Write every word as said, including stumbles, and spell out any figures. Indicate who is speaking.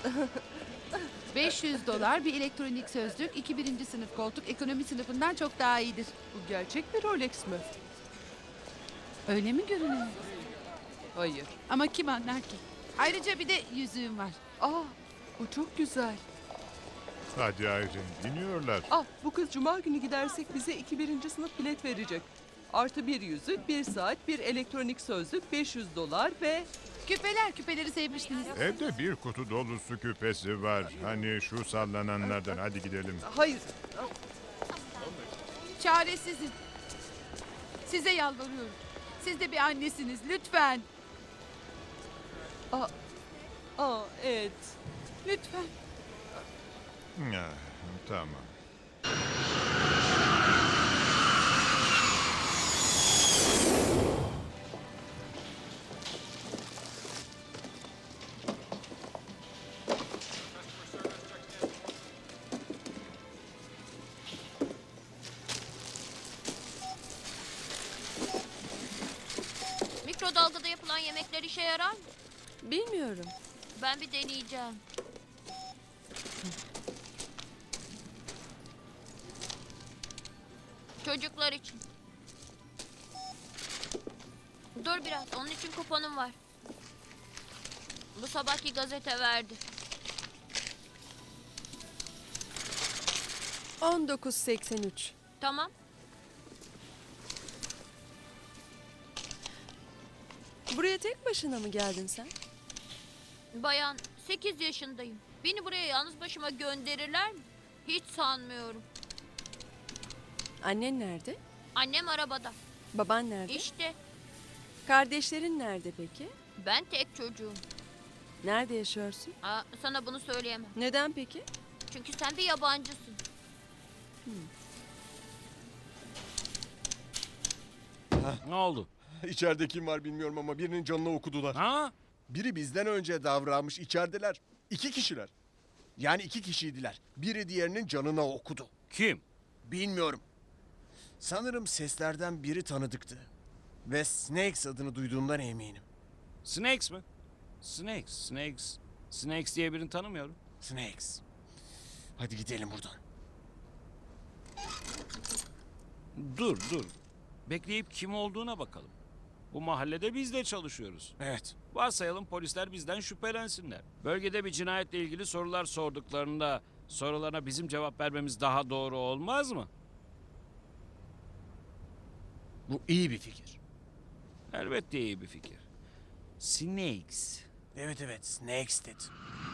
Speaker 1: beş yüz dolar bir elektronik sözlük, iki birinci sınıf koltuk ekonomi sınıfından çok daha iyidir.
Speaker 2: Bu gerçek bir Rolex mi?
Speaker 1: Öyle mi görünüyor?
Speaker 2: Hayır.
Speaker 1: Ama kim anlar ki? Ayrıca bir de yüzüğüm var.
Speaker 2: Aa, bu çok güzel.
Speaker 3: Hadi Aylin, iniyorlar.
Speaker 2: Ah, bu kız cuma günü gidersek bize iki birinci sınıf bilet verecek. Artı bir yüzük, bir saat, bir elektronik sözlük, beş yüz dolar ve...
Speaker 1: Küpeler, küpeleri sevmiştiniz.
Speaker 3: Evde bir kutu dolusu küpesi var. Hani şu sallananlardan. Hadi gidelim.
Speaker 2: Hayır.
Speaker 1: Çaresizim. Size yalvarıyorum. Siz de bir annesiniz, lütfen.
Speaker 2: Aa, aa evet.
Speaker 1: Lütfen.
Speaker 3: Ah, tamam.
Speaker 4: Mikrodalgada yapılan yemekler işe yarar mı?
Speaker 5: Bilmiyorum.
Speaker 4: Ben bir deneyeceğim. Çocuklar için. Dur biraz, onun için kuponum var. Bu sabahki gazete verdi.
Speaker 5: on dokuz seksen üç.
Speaker 4: Tamam.
Speaker 5: Buraya tek başına mı geldin sen?
Speaker 4: Bayan, sekiz yaşındayım. Beni buraya yalnız başıma gönderirler mi? Hiç sanmıyorum.
Speaker 5: Annen nerede?
Speaker 4: Annem arabada.
Speaker 5: Baban nerede?
Speaker 4: İşte
Speaker 5: Kardeşlerin nerede peki?
Speaker 4: ben tek çocuğum.
Speaker 5: Nerede yaşıyorsun?
Speaker 4: Aa, sana bunu söyleyemem.
Speaker 5: Neden peki?
Speaker 4: Çünkü sen bir yabancısın.
Speaker 6: Ne oldu?
Speaker 7: İçeride kim var bilmiyorum ama birinin canını okudular.
Speaker 6: Ha?
Speaker 7: Biri bizden önce davranmış, içerideler. İki kişiler. Yani iki kişiydiler. Biri diğerinin canına okudu.
Speaker 6: Kim?
Speaker 7: Bilmiyorum. Sanırım seslerden biri tanıdıktı. Ve Snakes adını duyduğumdan eminim.
Speaker 6: Snakes mi? Snakes, Snakes. Snakes diye birini tanımıyorum.
Speaker 7: Snakes. Hadi gidelim buradan.
Speaker 6: Dur, dur. Bekleyip kim olduğuna bakalım. Bu mahallede biz de çalışıyoruz.
Speaker 7: Evet.
Speaker 6: Varsayalım polisler bizden şüphelensinler. Bölgede bir cinayetle ilgili sorular sorduklarında sorularına bizim cevap vermemiz daha doğru olmaz mı?
Speaker 7: Bu iyi bir fikir.
Speaker 6: Elbette iyi bir fikir. Snakes.
Speaker 7: Evet evet Snakes dedi.